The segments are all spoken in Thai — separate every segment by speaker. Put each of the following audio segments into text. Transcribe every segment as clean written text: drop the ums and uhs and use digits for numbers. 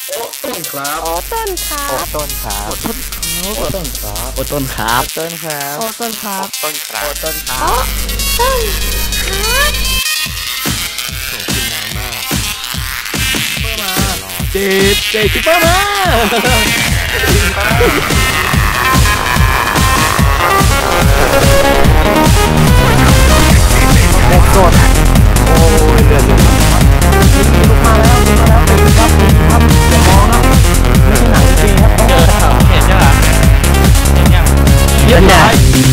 Speaker 1: โอ้ต้นครับ
Speaker 2: โอ้ต้นครับ
Speaker 3: ต้นครับ
Speaker 1: โอ้ต้นครับโอ้ต้นครับ
Speaker 3: โอ้ต้นครับต้นครับ
Speaker 2: โอ้ต้นครับ
Speaker 3: ต้นครับ
Speaker 2: ต้นครับต้นครับ
Speaker 3: โอ้กินน้ำมาก
Speaker 1: เพิ่มมา
Speaker 3: เจ็ดคิปเปอร์มาเด็กสดโอ้ยเดือดเลย
Speaker 1: ลุกมาแล้วเป็นครับอย่ามองครับไม่ใช่หนังจริงครับ
Speaker 3: เห็นยังอ่ะเห็นยัง
Speaker 1: เรียบร้อย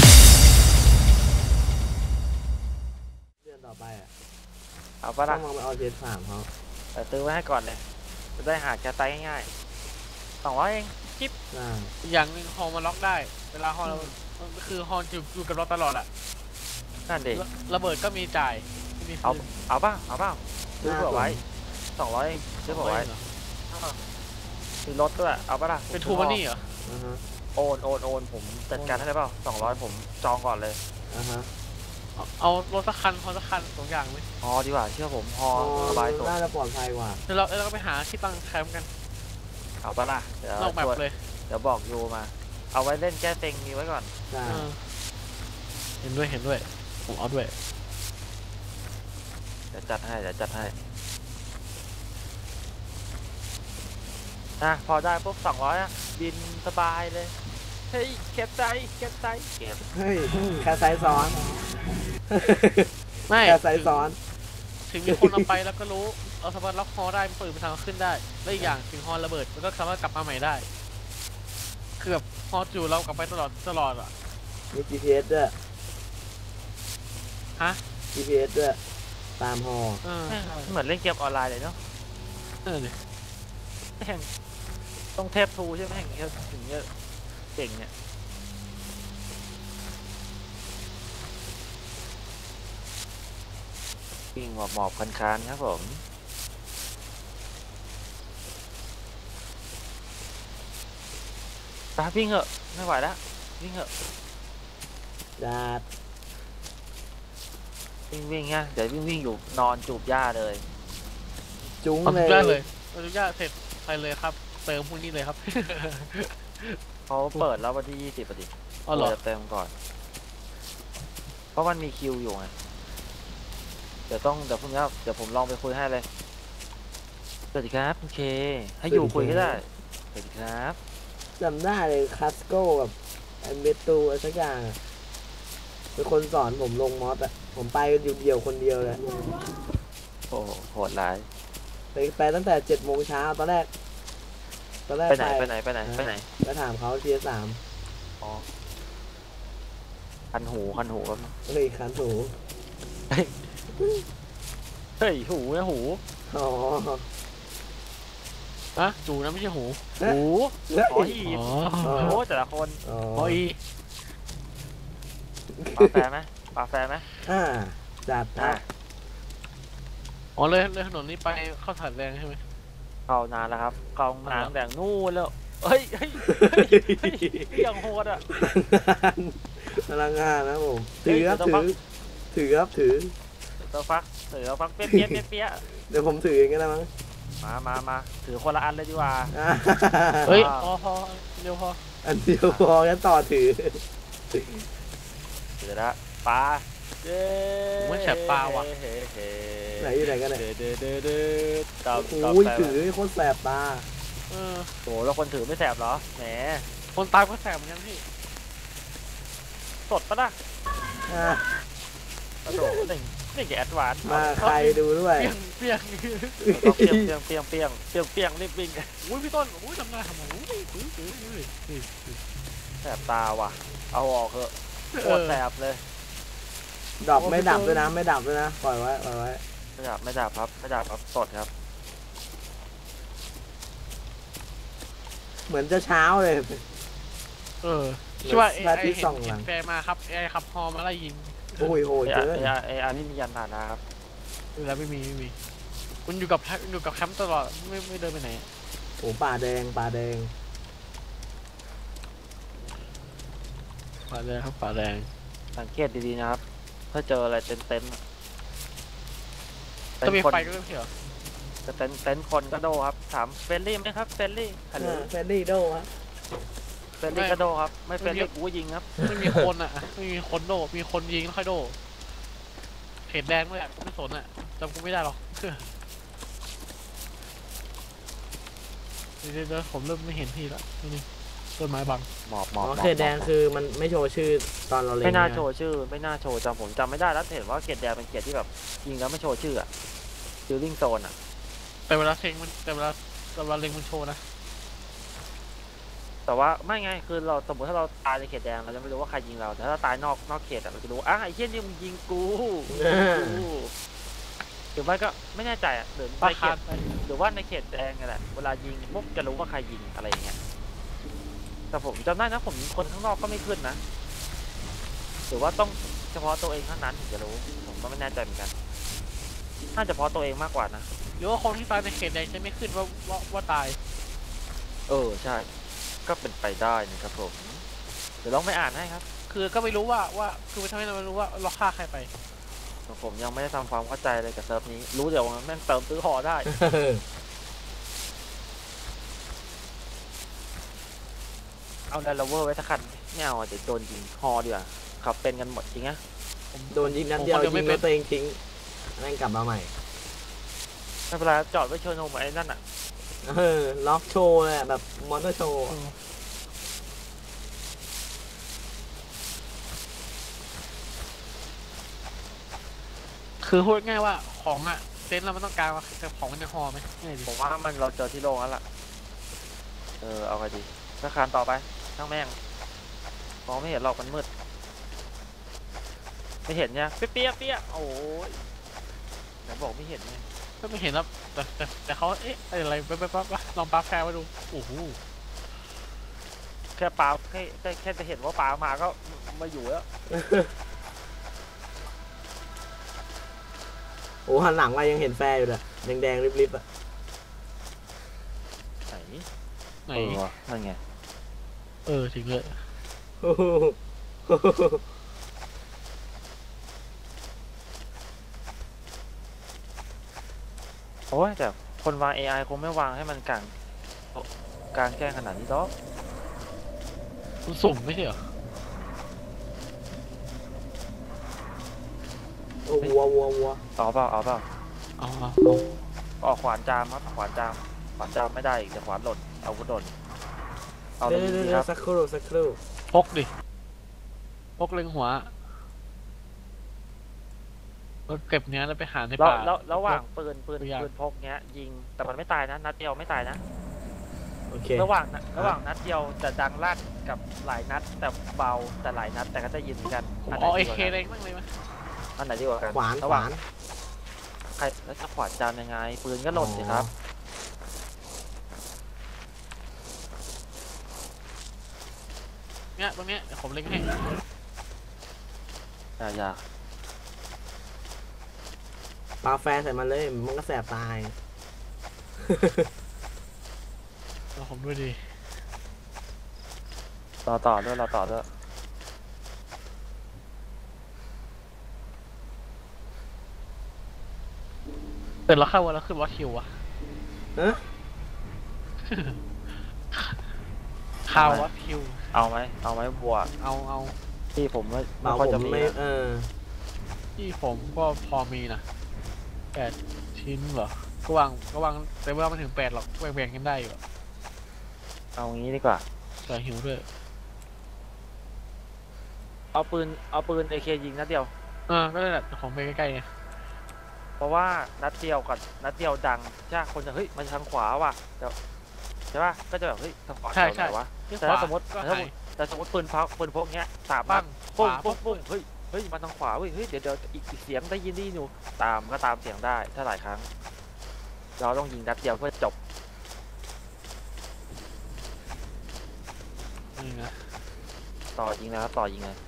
Speaker 4: เดือนต่อไปอ่ะ
Speaker 3: เอาปะล่ะ
Speaker 4: ต้องมองไปเอาเจนสามเขา
Speaker 3: แต่ซื้อไว้ให้ก่อนเลยจะได้หาแคสไตง่ายๆ200เองจิ๊บ
Speaker 5: อย่างหนึ่งฮอลมาล็อกได้เวลาฮอลคือฮอลอยู่กับเราตลอดอะ
Speaker 3: นั่นเด็ก
Speaker 5: ระเบิดก็มีจ่ายมี
Speaker 3: เอาป่ะซื้อเผื่อไว้200เองซื้อเผื่อไว้มีรถด้วยเอาป่ะล่ะ
Speaker 5: เป็นทูมันนี่เหรอ
Speaker 3: โอนผมจัดการให้ได้เปล่า200ผมจองก่อนเลย
Speaker 5: เอารถสักคันฮอลสักคัน2อย่างไหม
Speaker 3: ฮอดีกว่าเชื่อผมฮอสบายสุด
Speaker 4: น่าจะปลอดภัยกว่า
Speaker 5: เราก็ไปหาที่ตั้งแคมป์กัน
Speaker 3: เอาป่ะล่ะ
Speaker 5: นอกแบบเลย
Speaker 3: เดี๋ยวบอกยูมาเอาไว้เล่นแก้เต็งมีไว้ก่อน
Speaker 5: เห็นด้วยผมเอาด้วย
Speaker 3: เดี๋ยวจัดให้พอได้ปุ๊บ200อ่ะบินสบายเลยเฮ้ยเก็บใจเก็บ
Speaker 4: เฮ้ยแค่ไซส์ซ้อน
Speaker 5: ไม่
Speaker 4: แค่ไซส์ซ้อน
Speaker 5: ถึงมีคนเอาไปแล้วก็รู้เอาสามารถล็อกฮอได้มันเปิดไปทางขึ้นได้และอีกอย่างถึงฮอระเบิดมันก็สามารถกลับมาใหม่ได้คือแบบฮออยู่เรากลับไปตลอดอ่ะ
Speaker 4: มี GPS ด้วย
Speaker 5: ฮะ
Speaker 4: GPS ด้วยตามฮอ
Speaker 3: เหมือนเล่นเกมออนไลน์เลยเนาะต้องเทปทูใช่ไหมถึงจะเก่งเนี่ยวิ่งหมอบคันครับผมตาวิ่งเหอะไม่ไหวแล้ววิ่งเหอะ
Speaker 4: จัด
Speaker 3: วิ่งฮะเดี๋ยววิ่งอยู่นอนจูบหญ้าเลย
Speaker 4: จุ้ง
Speaker 5: เลยจูบหญ้าเสร็จไปเลยครับเติมพวกนี้เลยครับ
Speaker 3: เขาเปิดแล้ววันที่20พอดีจะเติมก่อนเพราะมันมีคิวอยู่ไงเดี๋ยวพรุ่งนี้เดี๋ยวผมลองไปคุยให้เลยสวัสดีครับโอเคให้อยู่คุยก็ได้สวัสดีครับ
Speaker 4: จำได้เลยคัสโก้กับเมตูอะไรสักอย่างเป็นคนสอนผมลงมอสอ่ะผมไปอยู่เดียวคนเดียวเลย
Speaker 3: โอ้โหดร้าย
Speaker 4: ไปตั้งแต่7 โมงเช้าตอนแรก
Speaker 3: ไปไหน
Speaker 4: ไปถามเขาTS3
Speaker 3: อ๋อคันหูครับ
Speaker 4: เฮ้ยคันหู
Speaker 3: เฮ้ยหูนะหู
Speaker 4: อ๋อ
Speaker 5: อะจูนะไม่ใช่หู
Speaker 3: อ๋ออีโอ้แต่ละคน
Speaker 5: อ๋ออี
Speaker 3: ปาแฟไหม
Speaker 4: จัด
Speaker 5: อ๋อเลยถนนนี้ไปเข้าถ่านแรงใช่ไหม
Speaker 3: เข้านานแล้วครับเข้านานแดงนู่นแล้วเฮ้ยยังโหดอ่ะ
Speaker 4: พลังงานนะผมถือ
Speaker 3: ตัวฟักเปี้ย
Speaker 4: เดี๋ยวผมถือเองก็ได้มั้ง
Speaker 3: มาถือคนละอันเลยดีกว่า
Speaker 5: เฮ้ยพอเร็วพอ
Speaker 4: อันเดียวพองั้นต่อถือ
Speaker 3: ละปลา
Speaker 5: ไม่แฉบปลาว่ะ
Speaker 4: ไหนอยู่ไหนกันเนี่ย
Speaker 3: โอ้
Speaker 4: ยถือโคตรแสบตา
Speaker 3: โหแล้วคนถือไม่แสบเหรอแหม
Speaker 5: คนตายก็แสบเหมือนกันพี่
Speaker 3: สดปะล่ะโอ้โหนี่แกแอดวานซ์
Speaker 4: มาใครดูด้วย
Speaker 5: เปียง
Speaker 3: รีบวิ่ง
Speaker 5: อุ้ยพี่ต้นอุ้ยทำไม
Speaker 3: แสบตาว่ะเอาออกเถอะโคตรแสบเลย
Speaker 4: ดับไม่ดับด้วยนะปล่อยไว้
Speaker 3: ไม่ดับครับสดครับ
Speaker 4: เหมือนจะเช้าเลย
Speaker 5: ชื่อว่าไอ้เห็นแฟมาครับไอ้ขับฮอมาไล่ยิง
Speaker 4: โอ้ยเจอ
Speaker 3: ไอ้นี่มียันฐานนะครับ
Speaker 5: แล้วไม่มีคุณอยู่กับแคมป์ตลอดไม่เดินไปไหน
Speaker 4: โอ้ป่าแดง
Speaker 5: ครับป่าแดง
Speaker 3: สังเกตดีๆนะครับถ้าเจออะไรเต็ม
Speaker 5: จะมีไฟก็ไม่เขียว
Speaker 3: แต่เต็นคนก็โดครับถามเฟรนลี่ไหมครับเฟรนลี่ฮัลโหล
Speaker 4: แฟนดี้โดฮะ
Speaker 3: เฟรนลี่ก็โดครับไม่เฟรนลี่กูยิงครับ
Speaker 5: ไม่มีคนอ่ะไม่มีคนโดมีคนยิงแล้วค่อยโดเขตแดงด้วยอ่ะกูไม่สนอ่ะจำกูไม่ได้หรอกเดี๋ยวผมเริ่มไม่เห็นพี่ละนี่ต้นไม้บัง
Speaker 3: หมอบ
Speaker 4: อ๋อเขตแดงคือมันไม่โชว์ชื่อตอนเราเล่น
Speaker 3: ไม่น่า
Speaker 4: ะ
Speaker 3: โชว์ชื่อไม่น่าโชว์ผมจำไม่ได้แล้วเห็นว่าเขตแดงเป็นเขตที่แบบยิงแล้วไม่โชว์ชื่ออะฟิลลิ่งโซนอะ
Speaker 5: แต่เวลาเล็งมันโชว์นะ
Speaker 3: แต่ว่าไม่ไงคือเราสมมติถ้าเราตายในเขตแดงเราจะไม่รู้ว่าใครยิงเราแต่ถ้าตายนอกเขตอะเราจะรู้ไอ้เหี้ยนี่มึงยิงกูหรือไม่ก็ไม่แน่ใจอะหรือ
Speaker 5: ปา
Speaker 3: ในเข
Speaker 5: คา
Speaker 3: ต
Speaker 5: ไป
Speaker 3: หรือว่าในเขตแดงไงแหละเวลายิงปุ๊บจะรู้ว่าใครยิงอะไรอย่างเงี้ยแต่ผมจำได้นะผมยิงคนข้างนอกก็ไม่ขึ้นนะหรือว่าต้องเฉพาะตัวเองเท่านั้นถึงจะรู้ผมก็ไม่แน่ใจเหมือนกันน่าจะเฉพาะตัวเองมากกว่านะ
Speaker 5: หรือว่าคนที่ตายในเขตแดงจะไม่ขึ้นว่าตาย
Speaker 3: ใช่ก็เป็นไปได้นะครับผมเดี๋ยวลองไปอ่านให้ครับ
Speaker 5: คือก็ไม่รู้ว่าคือไม่ทำให้เราไม่รู้ว่าเราฆ่าใครไป
Speaker 3: ผมยังไม่ได้ทำความเข้าใจเลยกับเซิร์ฟนี้รู้เดี๋ยวแม่งเติมซื้อหอได้เอาแลนด์โรเวอร์ไว้สักคันไม่เอาเดี๋ยวโดนยิงฮอดีกว่าขับเป็นกันหมดจริงนะ
Speaker 4: โดนยิงนัดเดียวยิงแล้วตัวเองทิ้งแม่งกลับมาใหม่
Speaker 3: ไม่เป็นไรจอดไว้เชิญโฮมไอ้นั่นอ่ะ
Speaker 4: ล็อกโชว์เลยแบบมอเตอร์โชว์
Speaker 5: คือพูดง่ายว่าของอ่ะเซนเราไม่ต้องการว่าแต่ของมันจะฮอไหมง่ายดิ
Speaker 3: ผมว่ามันเราเจอที่โรงแล้วล่ะเอาไปดีสักคันต่อไปช่างแม่งมองไม่เห็นหรอกมันมืดไม่เห็นเนี่ยเปี้ยโอ้ยเดี๋ยวบอกไม่เห็นไง
Speaker 5: ก็ไม่เห็นแล้วแต่เขาอะไรไปลองปาแฟร์มาดูโอ้โห
Speaker 3: แค่ปลาแค่จะเห็นว่าปลามาก็มาอยู่แล้ว
Speaker 4: โอ้หันหลังมายังเห็นแฟร์อยู่เลยแดงๆริบๆอ่ะ
Speaker 3: ไหนวะนั่นไง
Speaker 5: ถึงเลย
Speaker 3: โอ้ยแต่คนวาง AI คงไม่วางให้มันกลางแจ้งขนาดนี้หรอก
Speaker 5: มันสุ่มไม่ใช่เหรอ
Speaker 4: วัว
Speaker 3: เอาเปล่า
Speaker 5: เอา
Speaker 3: ออกขวานจามครับขวานจามไม่ได้อีกแต่ขวานหล่นอาวุธหล่นเอาเลยดีครับ
Speaker 4: สักครู่
Speaker 5: พกดิพกเล็งหัวเราเก็บเนี้ยแล้วไปหาในป่า
Speaker 3: แล้วระหว่างปืน
Speaker 5: ตัวอย่าง
Speaker 3: พกเงี้ยยิงแต่มันไม่ตายนะนัดเดียวไม่ตายนะ
Speaker 4: โอเค
Speaker 3: ระหว่างนัดเดียวจะดังลั่นกับหลายนัดแต่เบาแต่หลายนัดแต่ก็จะยินเหมือนกัน
Speaker 5: เอาเอเคเล็งบ้างเลยไหม
Speaker 3: อันไหนดีกว่ากัน
Speaker 4: ขวาน
Speaker 3: ระหว่างใครแล้วจะขวานจามยังไงปืนก็หล่นสิครับ
Speaker 5: เนี่ยตรงเนี้ยเดี๋ยวผมเล็งให้
Speaker 3: อย่า
Speaker 4: ปาแฟร์ใส่มันเลยมันก็แสบตาย
Speaker 5: เราผมด้วยดี
Speaker 3: รอต่อด้วย
Speaker 5: แต่เราเข้าวันแล้วขึ้นวัดคิวอะ
Speaker 4: ฮะ
Speaker 5: ข่าววัดคิว
Speaker 3: เอาไหมบัว
Speaker 5: เอา
Speaker 3: ที่ผมไม่
Speaker 4: เบา
Speaker 3: ค่อย
Speaker 4: ผ
Speaker 3: จะ
Speaker 4: ม
Speaker 3: มี
Speaker 4: ไม่
Speaker 5: ที่ผมก็พอมีนะ8 ชิ้นเหรอก็วางแต่ว่าไม่ถึง8หรอกแบ่งกันได้อยู่
Speaker 3: เอางี้ดีกว่า
Speaker 5: แต่หิวด้วย
Speaker 3: เอาปืนAK ยิงนัดเดียว
Speaker 5: ก็ได้แหละของไปใกล้ๆไง
Speaker 3: เพราะว่านัดเดียวกับนัดเดียวดังใช่คนจะเฮ้ยมันทางขวาว่ะใช่ป่ะก็จะแบบเฮ้ยทางขวาไหนวะแต่ถ้าสมมติปืนพกเงี้ย3
Speaker 5: บ้า
Speaker 3: บ้าง งปุ้ง
Speaker 5: ปุ๊บ
Speaker 3: เฮ้ยมันทางขวาเฮ้ยเดี๋ยวอีกเสียงได้ยินดีอยู่ตามเสียงได้ถ้าหลายครั้งเราต้องยิงนัดเดียวเพื่อจบ
Speaker 5: นี่นะ
Speaker 3: ต่อยิงนะครับต่อยิงเลย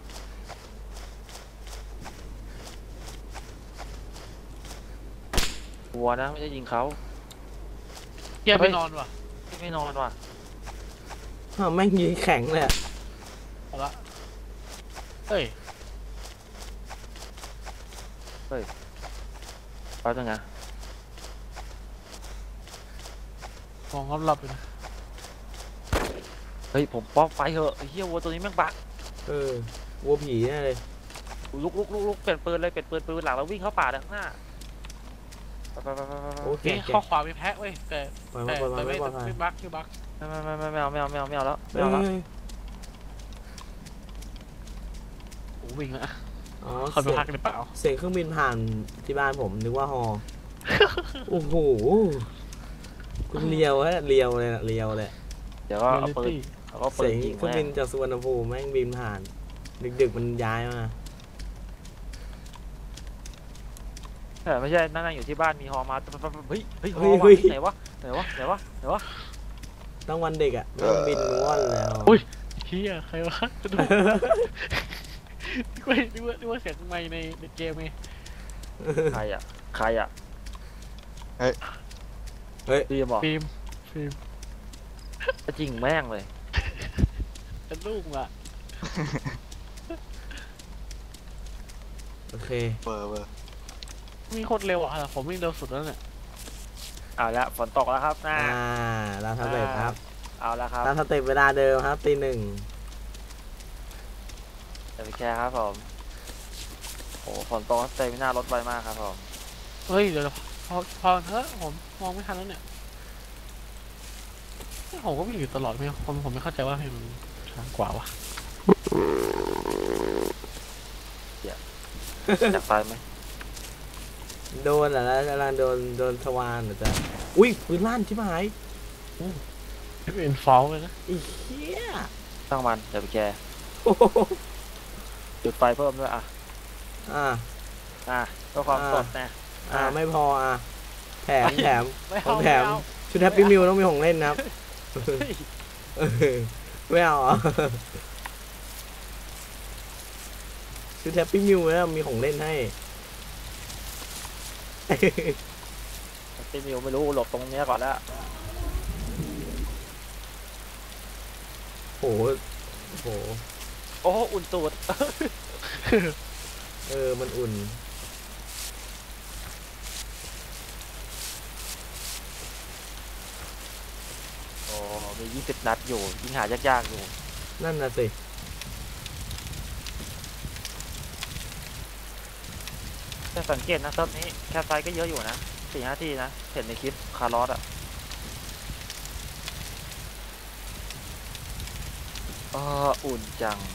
Speaker 3: หัวนะไม่ใช่ยิงเขา
Speaker 5: เที่ยไปนอนว่ะ
Speaker 3: ไม่นอนว่ะ
Speaker 4: แม่งยิงแข็งเลยอะ
Speaker 5: เอาละเฮ้ย
Speaker 3: แป๊บนึงนะ
Speaker 5: มองรอบๆอยู่นะ
Speaker 3: เฮ้ยผมป๊อกไฟเหอะไอ้เหี้ยวัวตัวนี้แม่งบัก
Speaker 4: วัวผีแน่เลย
Speaker 3: ลุกเปลี่ยนปืนเลยเปลี่ยนปืนหลังแล้ววิ่งเข้าป่าด้านข้างหน้าไป
Speaker 4: โอเค
Speaker 5: นี่ข้อขวามีแพะเว้ยแต่
Speaker 4: ปล่อยมาปล่อยมา
Speaker 5: ไม่
Speaker 4: ไม่ปลอดภัย
Speaker 5: บักคือบัก
Speaker 3: ไม่เอาแล้วไม่เอาแล้ว
Speaker 5: โอ้วิ่งละ
Speaker 4: อ๋อ
Speaker 5: เขาไปพักหรือเปล่า
Speaker 4: เสียงเครื่องบินผ่านที่บ้านผมนึกว่าฮอ โอ้โหคุณเลียวฮะเลียวเลยนะเลียวเลย
Speaker 3: เดี๋ยวก็เอาปืน
Speaker 4: เสียง
Speaker 3: ยิง
Speaker 4: เครื่องบินจากสุวรรณภูมิแม่งบินผ่าน ดึกๆมันย้ายมา
Speaker 3: ไม่ใช่นั่งอยู่ที่บ้านมีฮอมาเฮ้ยฮอไหนวะ
Speaker 4: ต้องวันเด็กอ่ะแม่งบินว่อนแล้ว
Speaker 5: เฮียใครวะจะดูนึกว่าเสียงไม่ในเกมไง
Speaker 3: ใครอ่ะฟิล์มบอก
Speaker 5: ฟิล์ม
Speaker 3: จริงแม่งเลย
Speaker 5: เป็นลูกอ่ะ
Speaker 4: โอเค
Speaker 1: เบอร์
Speaker 5: มีโคตรเร็วอ่ะผมวิ่งเร็วสุดแล้วเนี่ย
Speaker 3: เอาละฝนตกแล้วครับ
Speaker 4: เราทำเสร็จครับ
Speaker 3: เอาละครับ
Speaker 4: ตามสเต็ปเวลาเดิมครับตี 1
Speaker 3: เดี๋ยวไปแชร์ครับผมโอ้ฝนตกเต็มหน้ารถไวมากครับผม
Speaker 5: เฮ้ยเดี๋ยวพอเถอะผมมองไม่ทันแล้วเนี่ยผมก็วิ่งอยู่ตลอดไม่ผมไม่เข้าใจว่าให้มันช้ากว่าวะ
Speaker 3: อยากตายไหม
Speaker 4: โดนเหรอแล้วกำลังโดนสวานเหรอจ๊ะอุ้ยปืนลั่นชิบหาย
Speaker 5: เป็นฟอลเลยนะ
Speaker 4: อีเหี้ย
Speaker 3: ตั้งมันเดี๋ยวไปแชร์
Speaker 4: โอ้โห
Speaker 3: จุดไฟเพิ่มด้วย
Speaker 4: อ่ะ
Speaker 3: เพื่อความสดนะ
Speaker 4: ไม่พอแถม
Speaker 5: ไม่
Speaker 4: ของ
Speaker 5: เอา
Speaker 4: แถมชุดแฮปปี้มิวต้องมีของเล่นนะครับไม่เอาชุดแฮปปี้มิวแล้วมีของเล่นให้
Speaker 3: ตีมิวไม่รู้หลบตรงนี้ก่อนแล้ว
Speaker 4: โอ้
Speaker 3: อุ่นตูด
Speaker 4: มันอุ่น
Speaker 3: มี20 นัดอยู่ยิงหายากๆอยู่
Speaker 4: นั่นน่ะสิ
Speaker 3: แต่สังเกตนะเซิร์ฟนี้แคปไซก็เยอะอยู่นะ 4-5 ทีนะเห็นในคลิปคาร์ลอสอุ่นจัง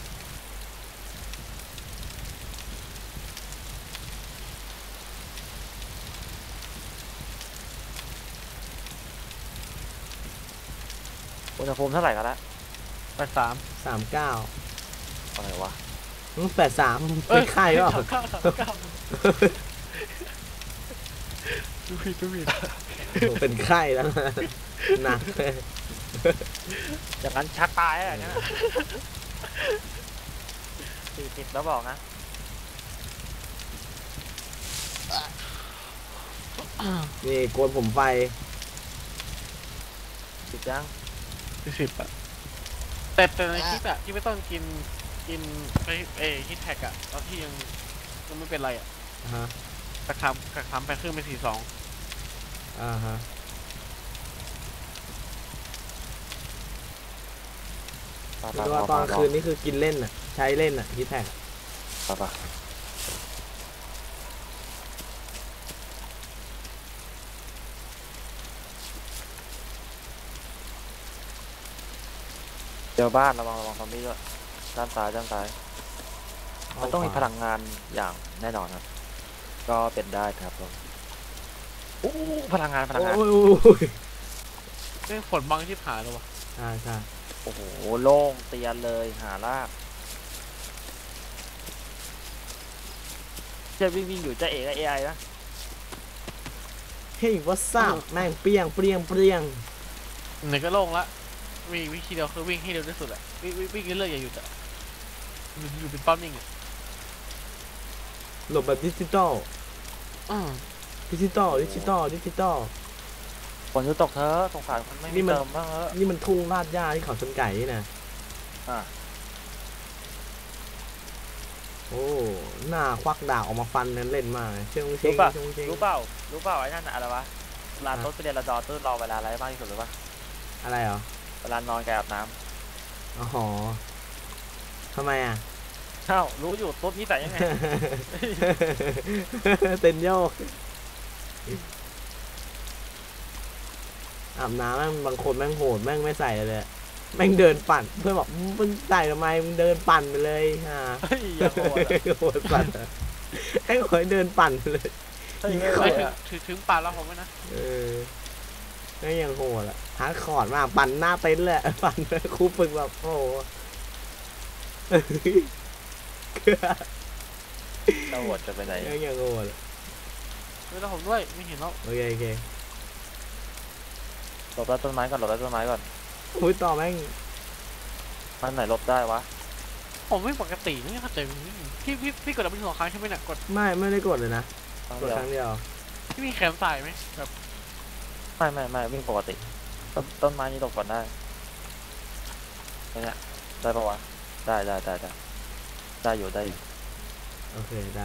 Speaker 3: อุณหภูมิเท่าไหร่กันละ
Speaker 5: 83
Speaker 4: 39
Speaker 3: อะไรวะ
Speaker 4: 83เป็นไข้หรอ
Speaker 5: ดูผิด
Speaker 4: เป็นไข้แล้วหนักเลย
Speaker 3: อย่างนั้นชักตายอะไรเงี้ย40แล้วบอกนะ
Speaker 4: นี่โกนผมไฟ
Speaker 3: 10ยัง
Speaker 5: 10อ่ะแต่ในคลิปอ่ะที่ไม่ต้องกินฮิตแท็กอ่ะตอนที่ยังไม่เป็นไรอ่ะกระทำไปครึ่งเป็น42
Speaker 4: คือว่าตอนคืนนี่คือกินเล่นอ่ะใช้เล่นอ่ะฮิตแท็ก
Speaker 3: เจอบ้านระวังซอมบี้ด้วยด้านซ้ายมันต้องมีพลังงานอย่างแน่นอนครับก็เป็นได้ครับผมพลังงาน
Speaker 5: นี่ฝนบังที่ผ่านแล้ววะ
Speaker 4: ใช่
Speaker 3: โอ้โหโล่งเตียนเลยหาลากจะวิ่งอยู่จะเอกไอนะ
Speaker 4: เฮ้ยว่าซ่าแม่งเปรี้ยง
Speaker 5: ไหนก็โล่งละวิธีเดียวคือวิ่งให้เร็วที่สุดอะวิ่งเรื่อยๆอย่าหยุดอะอยู่เป็นป้อมนิ่งอะ
Speaker 4: หลบแบบดิจิตอล
Speaker 3: ฝนจะตกเธอสงสารมันไม่มีเติมบ้าง
Speaker 4: นี่มันทุ่งลาดหญ้าที่เขาชนไก่นี่นะโอ้หน้าควักดาบออกมาฟันเล่นมาก
Speaker 3: รู้เปล่าไอ้นั่นอะไรวะลาต้นไปเรียนระดอต้นรอเวลาอะไรมากที่สุดหรือปะ
Speaker 4: อะไรเหรอ
Speaker 3: เวลานอนกับอาบน้
Speaker 4: อ๋อทำไมอ่ะ
Speaker 3: ำเอ้ารู้อยู่ต้นนี้ใส่ยังไง
Speaker 4: เต้นโยกอาบน้ำแม่งบางคนแม่งโหดแม่งไม่ใส่เลยอะแม่งเดินปั่นเพื่อนบอกมึงใส่ทำไมมึงเดินปั่นไปเลยฮะ
Speaker 3: เฮ้ยอย่าโหดอะ
Speaker 4: โหดปั่นอะไอ้คนเดินปั่นไปเลย
Speaker 3: เฮ้ย
Speaker 5: ไม่
Speaker 3: เฮ้ย
Speaker 5: ถึงป่าแล้วผมไหมนะ
Speaker 4: เออแม่งยังโหดอะฮาร์ดคอร์ดมากปั่นหน้าเต็นท์เลยปั่นครูฝึกแบบโอ้โห
Speaker 3: เราโหดจะไปไหน
Speaker 4: แม่งยังโหดอะ
Speaker 5: เวลาผมด้วยไม่เห็นแล้ว
Speaker 4: โอเคโอเค
Speaker 3: หลบใต้ต้นไม้ก่อนหลบใต้ต้นไม้ก่อน
Speaker 4: อุ้ยต่อแม่ง
Speaker 3: มันไหนหลบได้วะ
Speaker 5: ผมไม่ปกติไม่เข้าใจพี่กดดับเบิลหัวค้างใช่ไหมเนี่ยกด
Speaker 4: ไม่ได้กดเลยนะ
Speaker 3: ต้อง
Speaker 4: กด
Speaker 3: เดียว
Speaker 4: ครั้งเดียว
Speaker 5: ที่มีแขนใส่ไหมแบบ
Speaker 3: ไม่วิ่งปกติต้นไม้นี้หลบก่อนได้เนี่ยได้ปะวะได้อยู่
Speaker 4: โอเคได้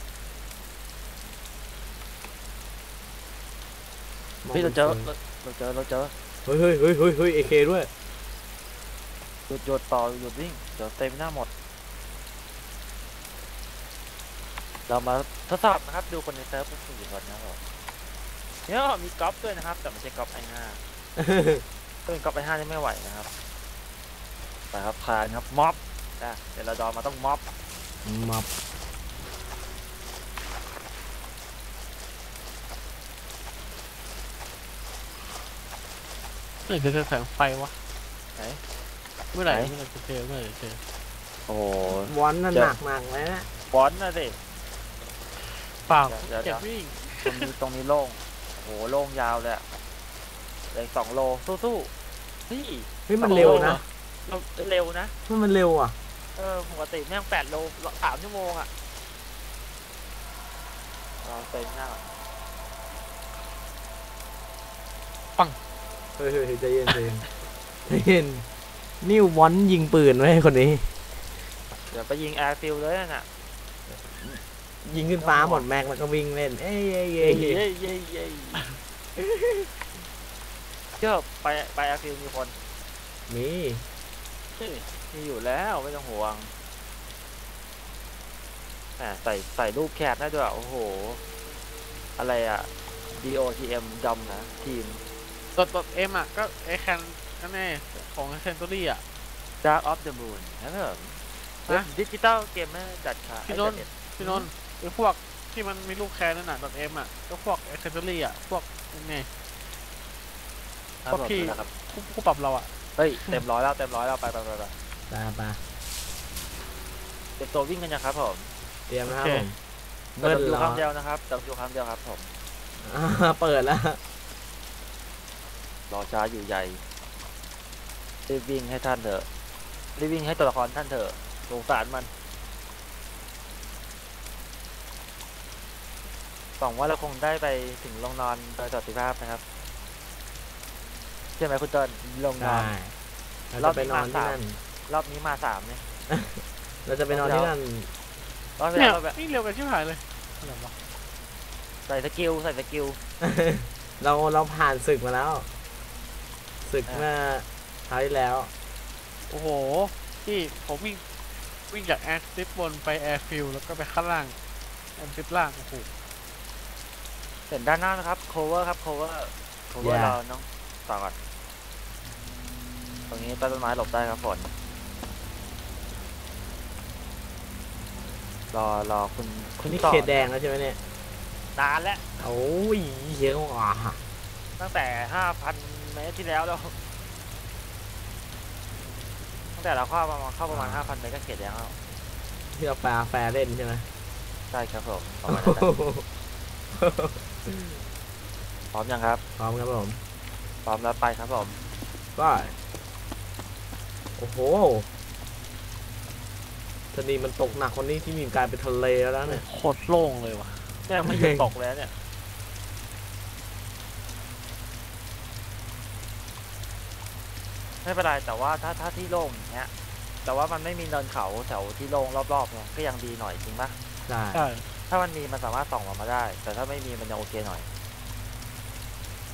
Speaker 3: พี่เราเจอ
Speaker 4: เฮ้ยเอเคด้วย
Speaker 3: หยุดต่อหยุดวิ่งเดี๋ยวเต็มหน้าหมด เรามาทดสอบนะครับดูคนในเซิร์ฟเป็น4 คนนะครับผมเนี่ยมีก๊อปด้วยนะครับแต่ไม่ใช่ก๊อปไอ5ถ้าเป็นก๊อปไอ5นี่ไม่ไหวนะครับไปครับพานครับม็อบนะเดี๋ยวเราดอมาต้องม็อบ
Speaker 4: มับ
Speaker 5: เมื่อไหร่จะเจอแสงไฟวะ
Speaker 3: ไหน
Speaker 5: เมื่อไหร่จะเจอ
Speaker 3: โอ้โห
Speaker 4: วอนน่ะหนักเลยนะ
Speaker 3: ฟอนต์นะสิ
Speaker 5: เปล่า
Speaker 3: เดี๋ยว
Speaker 5: เจ็บวิ่ง
Speaker 3: ตรงนี้โล่งโอ้โหโล่งยาวเลยอะเลย2 โลสู้ๆเฮ้ย
Speaker 4: มันเร็วนะ
Speaker 3: เร็วนะ
Speaker 4: มันเร็วอ่ะ
Speaker 3: ปกติแม่ง8 โล 3 ชั่วโมงอะลองเต็มหน้าก่อน
Speaker 4: เฮ้ยใจเย็นนี่วอนยิงปืนไว้คนนี้
Speaker 3: เดี๋ยวไปยิงแอร์ฟิลเลยน่ะ
Speaker 4: ยิงขึ้นฟ้าหมดแม็กแล้วก็วิ่งเล่น เอ้ย
Speaker 3: เจ้าไปแอร์ฟิลมีคน
Speaker 4: มี
Speaker 3: มีอยู่แล้วไม่ต้องห่วงใส่รูปแคปได้ด้วยโอ้โหอะไรอะ DOTM ดำนะทีม
Speaker 5: ตัวเอ็มอ่ะก็ไอแคนนั่นแน่ของเซนตุรี่อ่ะ
Speaker 3: Dark of the Moon นะครับดิจิตอลเกมเมอร์จัดค่ะ
Speaker 5: พี่นนท์ไอพวกที่มันมีลูกแคนนั่นน่ะตัวเอ็มอ่ะก็พวกเซนตุรี่อ่ะพวกนี่พวกพี่ผู้ปรับเราอ่ะ
Speaker 3: เฮ้ยเต็มร้อยแล้วไป
Speaker 4: ตาปะ
Speaker 3: เต็มตัววิ่งกันยังครับผม
Speaker 4: เตรียมนะครับผม
Speaker 3: เปิดดูคำเดียวนะครับเปิดดูคำเดียวครับผม
Speaker 4: เปิดแล้ว
Speaker 3: รอช้าอยู่ใหญ่รีบวิ่งให้ท่านเถอะรีบวิ่งให้ตัวละครท่านเถอะสงสารมันหวังว่าเราคงได้ไปถึงลงนอนโดยสวัสดิภาพนะครับใช่ไหมคุณเติ้ลลงนอน
Speaker 4: เราจะไปนอนที่นั่น
Speaker 3: รอบนี้มา3เนี่ย
Speaker 4: เราจะไปนอนที่นั่น
Speaker 3: รอบที่
Speaker 5: เนี่ย
Speaker 3: แล้วแบบ
Speaker 5: นี่เร็วกันชิบหายเลยอะไรวะ
Speaker 3: ใส่สกิล
Speaker 4: เราผ่านศึกมาแล้ว ศึกเมื่อคราวที่แล้ว
Speaker 5: โอ้โหที่ผมวิ่งจากแอร์ซิปบนไปแอร์ฟิลแล้วก็ไปข้างล่างแอร์ซิปล่างโอ้โห
Speaker 3: เห็นด้านหน้านะครับ cover ครับ cover เราน้องต่อก่อนตรงนี้ใต้ต้นไม้หลบได้ครับฝนรอคุณ
Speaker 4: นี่
Speaker 3: ต่อ
Speaker 4: เขตแดงแล้วใช่ไหมเนี่ย
Speaker 3: นานแล้ว
Speaker 4: โอ้ยเหี้ยอ่ะ
Speaker 3: ตั้งแต่ 5,000 เมตรที่แล้วตั้งแต่เราเข้าประมาณ 5,000 เมตรก็เขตแดงแล้ว
Speaker 4: ที่เราปลาแฟร์เล่นใช่ไหม
Speaker 3: ใช่ครับผมประมาณนั้นแหละพร้อมยังครับ
Speaker 4: พร้อมครับผม
Speaker 3: พร้อมแล้วไปครับผม
Speaker 4: ก็โอ้โหทะเลมันตกหนักคนนี้ที่มีกลายเป็นทะเลแล้วเนี่ย
Speaker 5: โคตรโล่งเลยว่ะ
Speaker 3: แม่งไม่หยุดตกแล้วเนี่ยไม่เป็นไรแต่ว่าถ้าที่โล่งอย่างเงี้ยแต่ว่ามันไม่มีเนินเขาแถวที่โล่งรอบๆเนี่ยก็ยังดีหน่อยจริงปะ
Speaker 4: ใช่
Speaker 5: ใช่
Speaker 3: ถ้ามันมีมันสามารถส่องออกมาได้ แต่ถ้าไม่มีมันยังโอเคหน่อย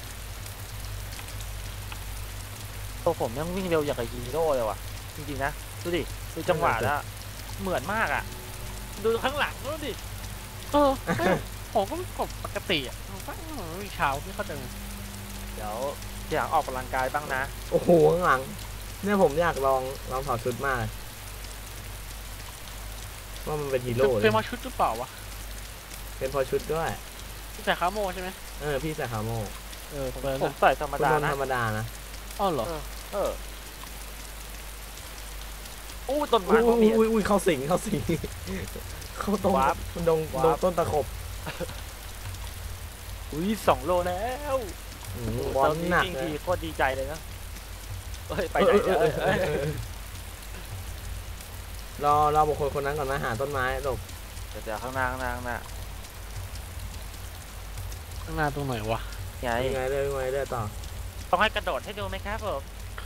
Speaker 3: ตัวผมยังวิ่งเร็วอย่างกับฮีโร่เลยว่ะจริงๆนะดูดิดูจังหวะแล้วเหมือนมากอ่ะดูข้างหลังดูดิ
Speaker 5: เออผมก็กดปกติอ่ะผมก็วิ่งเช้าไม่เข้าใจ
Speaker 3: เดี๋ยวอยากออกกำลังกายบ้างนะ
Speaker 4: โอ้โหข้างหลังเนี่ยผมอยากลองถอดชุดมากว่ามันเป็นฮีโร่เล
Speaker 5: เป็
Speaker 4: ย
Speaker 5: นมาชุดหรือเปล่าวะ
Speaker 4: เป็นพอชุดด้วย
Speaker 5: ใส่ขาโมใช่ไหม
Speaker 4: พี่ใส่ขาโม่
Speaker 5: เออเปิด
Speaker 3: ผมใส่ธรรม
Speaker 4: คุณ
Speaker 3: ดาน
Speaker 4: นท์
Speaker 3: นะ
Speaker 4: ธรรมดานะ
Speaker 5: อ้าวเหรอ
Speaker 3: เอออู้ต้นไม้ก็มี
Speaker 4: อุ้ยเข้าสิงเข้าตรง
Speaker 3: วาร์ป
Speaker 4: ดง
Speaker 3: วาร์ป
Speaker 4: ต้นตะขบ
Speaker 3: อุ้ย2 โลแล้ว
Speaker 4: บอลหนัก
Speaker 3: จริง
Speaker 4: เล
Speaker 3: ที
Speaker 4: ย
Speaker 3: โคตรดีใจเลยนะเฮ้ยไปไหนเนี่ยเอ้ย
Speaker 4: รอบุคคลคนนั้นก่อนนะหาต้นไม้หลบ
Speaker 3: เดี๋ยวข้างหน้า
Speaker 5: ข้างหน้าตรงไหนวะ
Speaker 3: ไง
Speaker 4: ยังไงเรื่อยต่อ
Speaker 3: ต้องให้กระโดดให้ดูไหมครับผม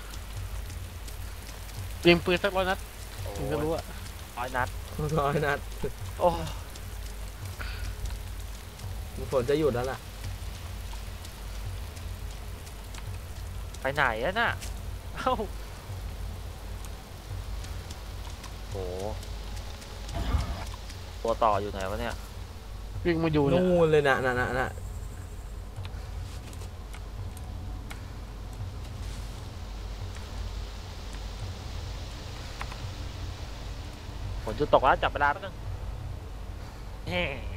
Speaker 5: ยิงปืนสัก100 นัดถึงจะรู้อะ
Speaker 3: 100 นัด
Speaker 4: 100 นัด
Speaker 3: โอ้
Speaker 4: ฝนจะหยุดแล้วล่ะ
Speaker 3: ไปไหนอะน่ะเอ้าโอ้ตัวต่ออยู่ไหนวะเนี่ย
Speaker 5: วิ่งมาอยู่เนี่ย
Speaker 4: นู่นเลยนะ
Speaker 3: ฝนจะตกแล้วจับเวลาแป๊บนึงเฮ้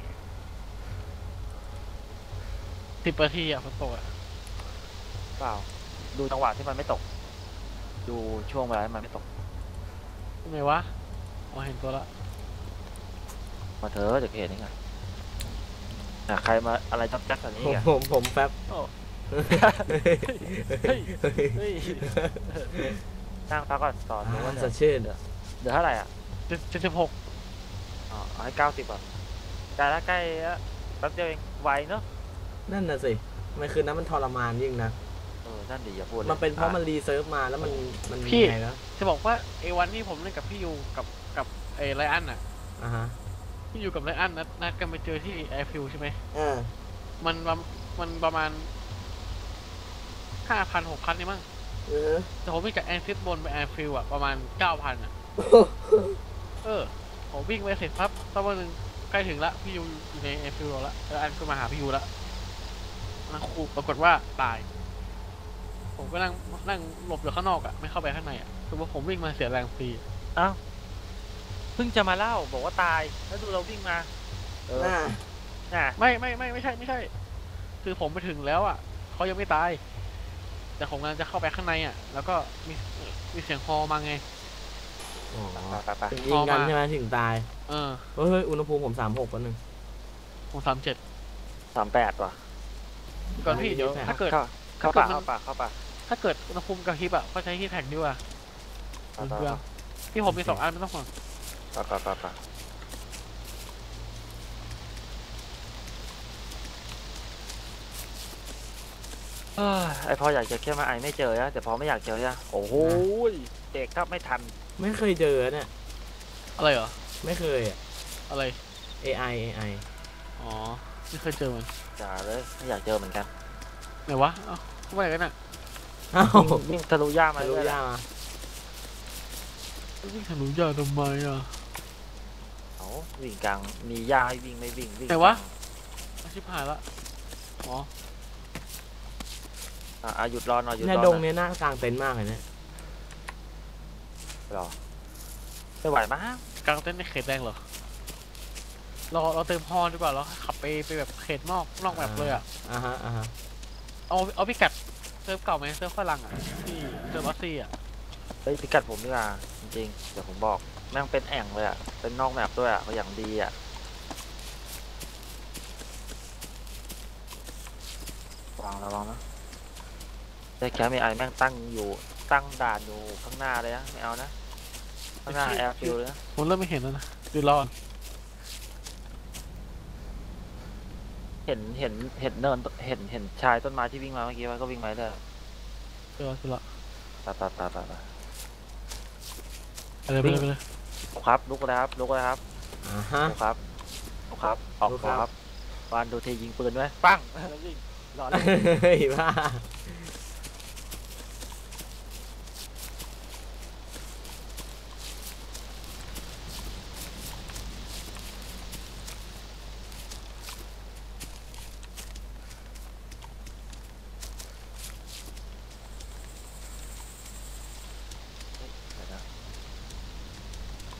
Speaker 5: 10 นาทีอะฝนตกอะ
Speaker 3: เปล่าดูจังหวะที่มันไม่ตก ดูช่วงเวลาที่มันไม่ตก
Speaker 5: ไหนวะอ๋อเห็นตัวละ
Speaker 3: มาเถอะเดี๋ยวเห็นนี่ไงใครมาอะไรจับจับแบบนี้กัน
Speaker 4: ผมแป๊บ
Speaker 3: โอ้ เฮ้ย เฮ้ยนั่งพักก่อนต่อดูว่า
Speaker 4: สดชื่น
Speaker 3: เดี๋ยวเท่าไหร่อ่ะ
Speaker 5: 76
Speaker 3: อ๋อเอาให้90ก่อนใกล้แล้วใกล้แล้วแป๊บเดียวเองไวเนอะ
Speaker 4: นั่นน่ะสิมันคือนั้นมันทรมานยิ่งนะ
Speaker 3: นั่นดิอย่าพูดเลย
Speaker 4: มันเป็นเพราะมันรีเซิร์ฟมาแล้วมันไงแล้ว
Speaker 5: จะบอกว่าไอ้วันที่ผมเล่นกับพี่ยูกับไอ้ไรอันอะ
Speaker 4: ฮะ
Speaker 5: พี่ยูกับไรอันนัดกันไปเจอที่แอร์ฟิลใช่ไหม มันประมาณ 5,000 6,000นี่มั้งแต่ผมวิ่งจากแอนฟิลบนไปแอนฟิลอะประมาณ 9,000อะผมวิ่งไปเสร็จปั๊บสักวันหนึ่งใกล้ถึงละพี่ยูอยู่ในแอนฟิลแล้วแล้วอันก็มาหาพี่ยูละนั่งคูปรากฏว่าตาย ผมก็นั่งหลบอยู่ข้างนอกอะไม่เข้าไปข้างในอะคือว่าผมวิ่งมาเสียแรงฟรี
Speaker 3: อ้าวเพิ่งจะมาเล่าบอกว่าตายแล้วดูเราวิ่งมาน่ะ
Speaker 5: ไม่ใช่ คือผมไปถึงแล้วอะเขายังไม่ตาย แต่ผมกำลังจะเข้าไปข้างในอะแล้วก็มีเสียงฮอมาไง
Speaker 3: ไป
Speaker 4: ถึงยิงกันใช่ไหมถึงตาย
Speaker 5: เออ
Speaker 4: เฮ้ยอุณหภูมิผม36แป๊บนึง
Speaker 5: ผม37
Speaker 3: 38ว่ะ
Speaker 5: ก่อนพี่เดี๋ยวถ้าเกิด
Speaker 3: เข้าป่า
Speaker 5: ถ้าเกิดอุณหภูมิกระพริบอะก็ใช้ที่แท็กดีกว่าเปลืองที่ผมมี2 อันไม่ต้องห่วง
Speaker 3: ไปไอพออยากเจอแค่มาไอไม่เจอนะแต่พอไม่อยากเจอนะโอ้โหเด็กครับไม่ทัน
Speaker 4: ไม่เคยเจอเนี่ย
Speaker 5: อะไรเหรอ
Speaker 4: ไม่เคยอ่ะ
Speaker 5: อะไร
Speaker 4: AI
Speaker 5: อ๋อไม่เคยเจอมัน
Speaker 3: จ่าเลยไม่อยากเจอเหมือนกัน
Speaker 5: ไหนวะเอ้าทำไมกันน่ะ
Speaker 4: อ้าว
Speaker 3: วิ่งทะลุย่ามา
Speaker 4: รู้
Speaker 3: ด้วย
Speaker 4: ย่ามา
Speaker 5: วิ่งทะลุยาทำไมอ่ะ
Speaker 3: เขาวิ่งกลางมีย่าให้วิ่งไม่วิ่ง
Speaker 5: ไหนวะ ชิบหายละอ๋อ
Speaker 3: หยุดรอหน่อยหยุดร
Speaker 4: เนี่ย
Speaker 3: อ
Speaker 4: ดงเนี้ยน่ากลางเต็นท์มากเลยเนี่ย
Speaker 3: รอไม่ไหวมั้ง
Speaker 5: กลางเต้นในเขตแดงเหรอเราเติมฮอดีกว่าเราขับไปแบบเขตนอกแบบเลยอ่ะ
Speaker 4: ฮะ
Speaker 5: เอาพิกัดเซิร์ฟเก่าไหมเซิร์ฟฝรั่งอ่ะที่เซิร์ฟออสซี่อ่ะ
Speaker 3: เฮ้ยพิกัดผมดีกว่าจริงๆเดี๋ยวผมบอกแม่งเป็นแอ่งเลยอ่ะเป็นนอกแมปด้วยอ่ะเขาอย่างดีอ่ะวางระวังนะแต่แคมป์ไอแม่งตั้งด่านอยู่ข้างหน้าเลยนะไม่เอานะข้างหน้าแอร์ฟิลเลยนะ
Speaker 5: ผมเริ่มไม่เห็นแล้วนะดูรอ
Speaker 3: เห็นเนินเห็นชายต้นไม้ที่วิ่งมาเมื่อกี้ว่าก็วิ่งมาเลย
Speaker 5: เจอละ
Speaker 3: ไป
Speaker 5: ไปเลย
Speaker 3: ครับลุกเลยครับลุกครับออกครับวานดูเทยิงปืนไหมปังแล้ววิ่งรอเลย
Speaker 4: เฮ้ยบ้า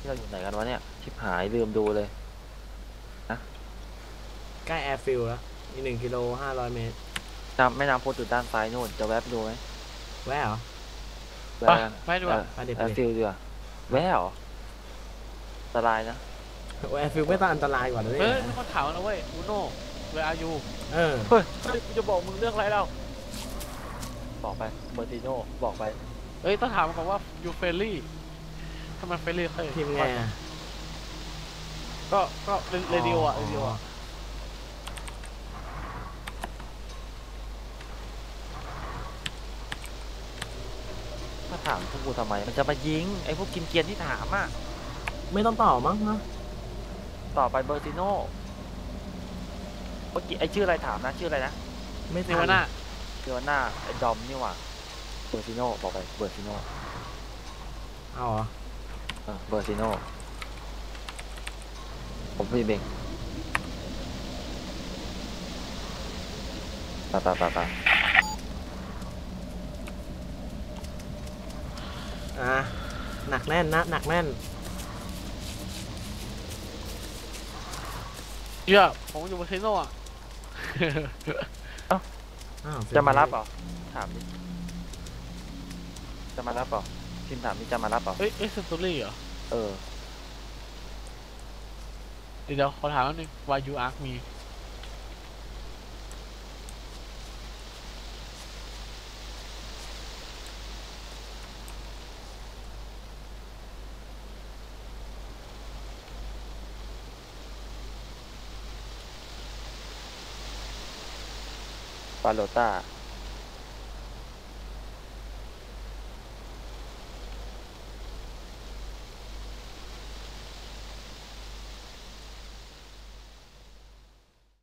Speaker 3: เราอยู่ไหนกันวะเนี่ยชิบหายลืมดูเลย
Speaker 4: ใกล้แอร์ฟิลแล้วอีก1 กิโล 500 เมตร
Speaker 3: แม่น้ำโพธิ์อยู่ด้านซ้ายนู่นจะแวะไปดูไหม
Speaker 4: แวะเหรอ
Speaker 3: แวะ
Speaker 5: ไปดูอ่ะ
Speaker 4: ไปเด็ด
Speaker 3: แอร์ฟิลดีกว่าแวะเหรออันตรายนะ
Speaker 4: แอร์ฟิลไม่ต้องอันตรายกว่านะเนี่
Speaker 5: เฮ้ย
Speaker 4: ย
Speaker 5: มีคนถามนะเว้ยอูโน่เวอายู
Speaker 4: เออ
Speaker 3: เฮ้ยกูจะบอกมึงเรื่องอะไรเราบอกไปเบอร์ติโน่บอกไป
Speaker 5: เฮ้ยต้องถามก่อนว่ายูเฟรลี่ทำไมเฟรลี่เคย
Speaker 4: ทีมไงอ่ะ
Speaker 5: ก็เรดิโออ่ะเรดิโออ่ะ
Speaker 3: มาถามพวกกูทำไมมันจะมายิงไอ้พวกกินเกรียนที่ถามอ่ะ
Speaker 4: ไม่ต้องต่อมั้งนะ
Speaker 3: ต่อไปเบอร์ติโน่เมื่อกี้ไอ้ชื่ออะไรถามนะชื่ออะไรนะ
Speaker 4: ไม่
Speaker 5: เน
Speaker 4: ทั
Speaker 5: วาน่า
Speaker 3: เดี๋ยวหน้าไอ้ดอมนี่หว่าเบอร์ติโน่บอกไปเบอร์ติโน่
Speaker 4: เอาเหรอ
Speaker 3: เบอร์ติโน่ผมพี่เบงไป
Speaker 4: หนักแน่นนะหนักแน่น
Speaker 5: เชื่อผมอยู่บนเซโน่อ่ะ
Speaker 4: อ้าว
Speaker 3: จะมารับเหรอถามดิจะมารับเหรอพิมพ์ถามนี่จะมารับเหรอ
Speaker 5: เฮ้ยเซนตูรี่เหรอ
Speaker 3: เออ
Speaker 5: เดี๋ยวขอถามนิดนึง why you ask me
Speaker 3: ปาโลต้า